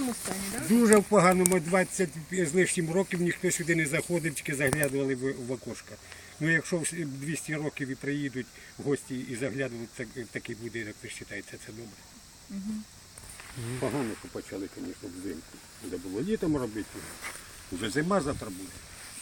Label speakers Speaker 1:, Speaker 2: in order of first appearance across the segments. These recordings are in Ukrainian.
Speaker 1: поганому стані, так?
Speaker 2: Дуже в поганому, 20 з лишнім років ніхто сюди не заходив, тільки заглядували в окошка. Ну якщо 200 років і приїдуть гості і заглядували в такий будинок, ви вважаєте, це добре? Погано, що почали, звісно, взимку. Треба було літом робити. Вже зима завтра буде.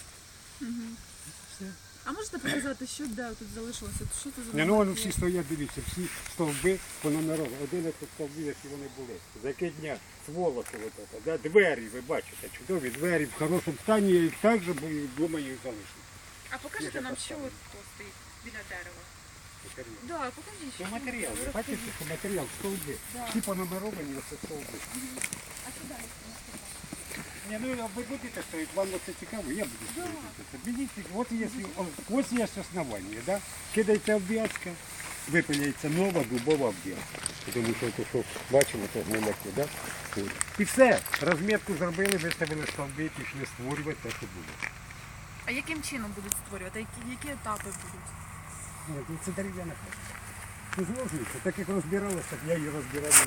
Speaker 1: А можете показати, що де тут залишилося? Що це за
Speaker 2: Не, ну вони всі стоять, дивіться, всі стовби понумеровані. 11 стовбів, які вони були. Закидня, сволоки, да? Двері, ви бачите, чудові двері в хорошому стані, я їх так же, думаю, їх залишити.
Speaker 1: А покажете нам, що от тут стоїть біля дерева? Так, покажіть.
Speaker 2: Це матеріал, ви бачите, що матеріал, стовби. Всі понумеровані, оце стовби.
Speaker 1: А що далі?
Speaker 2: Ні, ну ви будете стоїть, вам це цікаво, я буду стоїти. Беріть, ось є основання, да? Кидається обв'язка, випиляється нова дубова обв'язка. Тому що, що бачимо, це гниляки, да? І все, розмітку зробили, виставили стовби, пішли створювати те, що буде.
Speaker 1: А яким чином будуть створювати? Які етапи будуть?
Speaker 2: Ну, це дерев'яна хата. Це зложується, так як розбиралося, я її розбирав.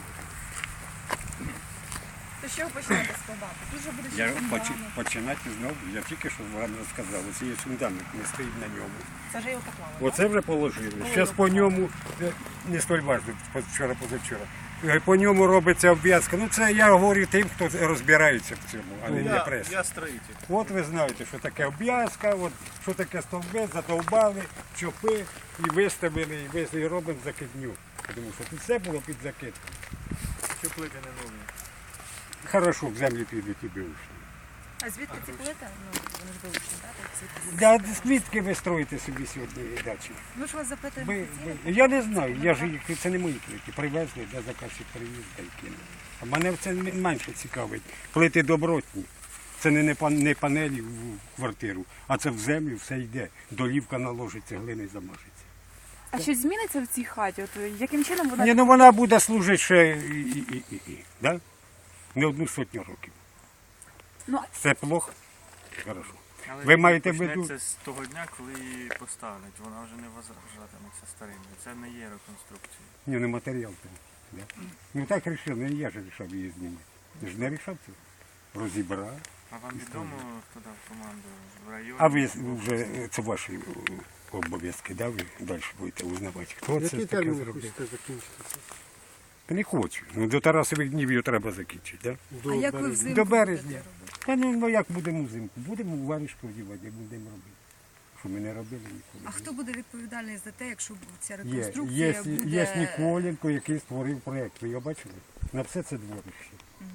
Speaker 1: То що ви почнете складати? Дуже буде
Speaker 2: Я
Speaker 1: фундамент.
Speaker 2: починати знову, я тільки що вам розказав, ось є фундамент, не стоїть на ньому.
Speaker 1: Це вже його поклали.
Speaker 2: Оце вже положили. Зараз по ньому, не столь важливо, вчора-позавчора, по ньому робиться обв'язка. Ну це я говорю тим, хто розбирається в цьому, а не преса.
Speaker 3: Я строитель.
Speaker 2: От ви знаєте, що таке обв'язка, от, що таке стовби, задовбали, чопи і виставили, і робимо закидню. Тому що тут все було під закидку.
Speaker 3: Що плити не нові?
Speaker 2: Хорошо, в землю підуть і бивши.
Speaker 1: А звідки ці плити? Ну, вони ж вилучені, так?
Speaker 2: Да, звідки ви строїте собі сьогодні дачі?
Speaker 1: Ми ж вас запитуємо.
Speaker 2: Я не знаю, я ж їх, це не мої плити. Привезли, де заказчик привіз, та й кинув. А мене це менше цікавить. Плити добротні. Це не панелі в квартиру, а це в землю все йде. Долівка наложиться, глини замажеться.
Speaker 1: А щось зміниться в цій хаті? От яким чином вона...
Speaker 2: Ні, ну вона буде служити ще да? Не 100 років.
Speaker 1: Ну,
Speaker 2: Це плохо? Хорошо.
Speaker 3: Але
Speaker 2: Ви маєте в
Speaker 3: почнеться
Speaker 2: виду?
Speaker 3: з того дня, коли її поставлять. Вона вже не вважатиметься старинною. Це не є реконструкція.
Speaker 2: Ні, не матеріал там. Да? Ну так вирішив, не я ж вирішав її знімати. Ти ж не вирішав це? Розібрав.
Speaker 3: А вам відомо, хто дав команду в районі?
Speaker 2: А ви вже, це ваші обов'язки, да? Ви далі будете узнавати, хто це таке зробив.
Speaker 4: закінчити?
Speaker 2: Та не хочу. Ну, до Тарасових днів його треба закінчити, да?
Speaker 1: а як ви взимку
Speaker 2: До березня.
Speaker 1: будете робити?
Speaker 2: Та ну як будемо взимку? Будемо у варішку одягати, будемо робити. Що ми не робили ніколи.
Speaker 5: А хто буде відповідальний за те, якщо ця
Speaker 2: Є
Speaker 5: реконструкція буде...
Speaker 2: Ніколенко, який створив проєкт. Ви його бачили? На все це дворище.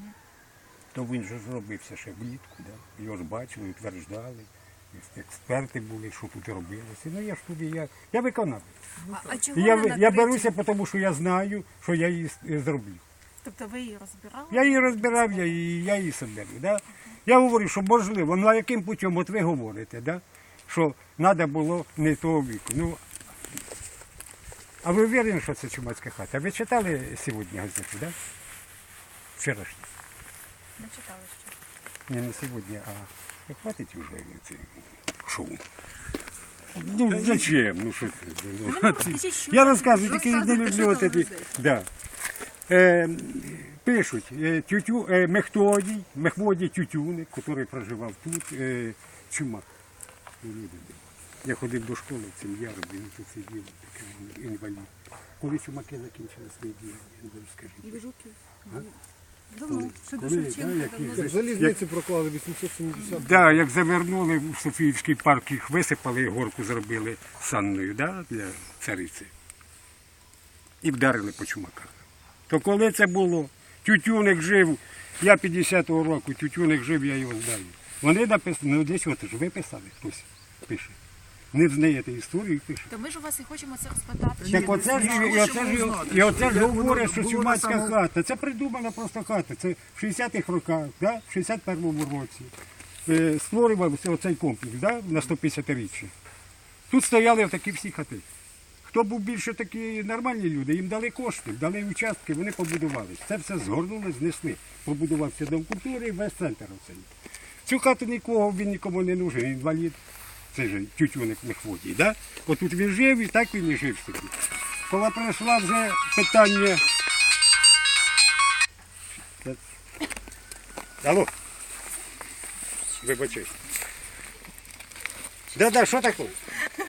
Speaker 2: То він же зробився ще влітку, да? Його ж бачили, утверждали. Експерти були, що тут робилося. Ну я ж туди, я виконавець.
Speaker 5: А чого
Speaker 2: І
Speaker 5: не
Speaker 2: я
Speaker 5: накриті?
Speaker 2: беруся, тому що я знаю, що я її зроблю.
Speaker 5: Тобто ви її розбирали?
Speaker 2: Я її розбирав, я її соберу. Да? Я говорю, що можливо, ну а яким путем, от ви говорите, да? Що треба було не того віку. Ну, а ви впевнені, що це чумацька хата? Ви читали сьогодні газету, да? Вчорашню?
Speaker 5: Не читали ще.
Speaker 2: Не сьогодні, а хватить вже це шоу. Ну, зачем? Ну, що це? Я розказую, тільки не люблю от ці. Да. Пишуть, Мехводій Тютюник, який проживав тут, чума. Я ходив до школи в цим яром, він тут сидів, такий інвалід. Коли чумаки закінчили свої діяння, скажіть.
Speaker 5: І ви жуки? Давно. Ще до
Speaker 2: Коли,
Speaker 5: Шевченка
Speaker 2: да,
Speaker 5: давно.
Speaker 4: Залізниці проклали 870.
Speaker 2: Так, да, як завернули в Софіївський парк, їх висипали, горку зробили санною, да, для цариці. І вдарили по чумаках. То коли це було? Тютюник жив, я 50-го року, Тютюник жив, я його знаю. Вони написали, ну десь от ж ви писали, хтось пише. Не знаєте історію і пише.
Speaker 5: То ми ж у вас і хочемо це розпитати.
Speaker 2: Так оце ж говорять, що чумацька хата. Це придумана просто хата. Це в 60-х роках, да? в 61-му році створювався оцей комплекс, да? на 150-річчя. Тут стояли такі всі хати. Хто був більше такі нормальні люди, їм дали кошти, дали участки, вони побудували. Це все згорнули, знесли. Побудувався дом культури і весь центр оцей. Цю хату він нікому не нужен, інвалід. Це ж Тютюник Мехводій, да? Отут він жив і так він і жив собі. Коли прийшло вже питання Алло. Вибачай. Да, що таке?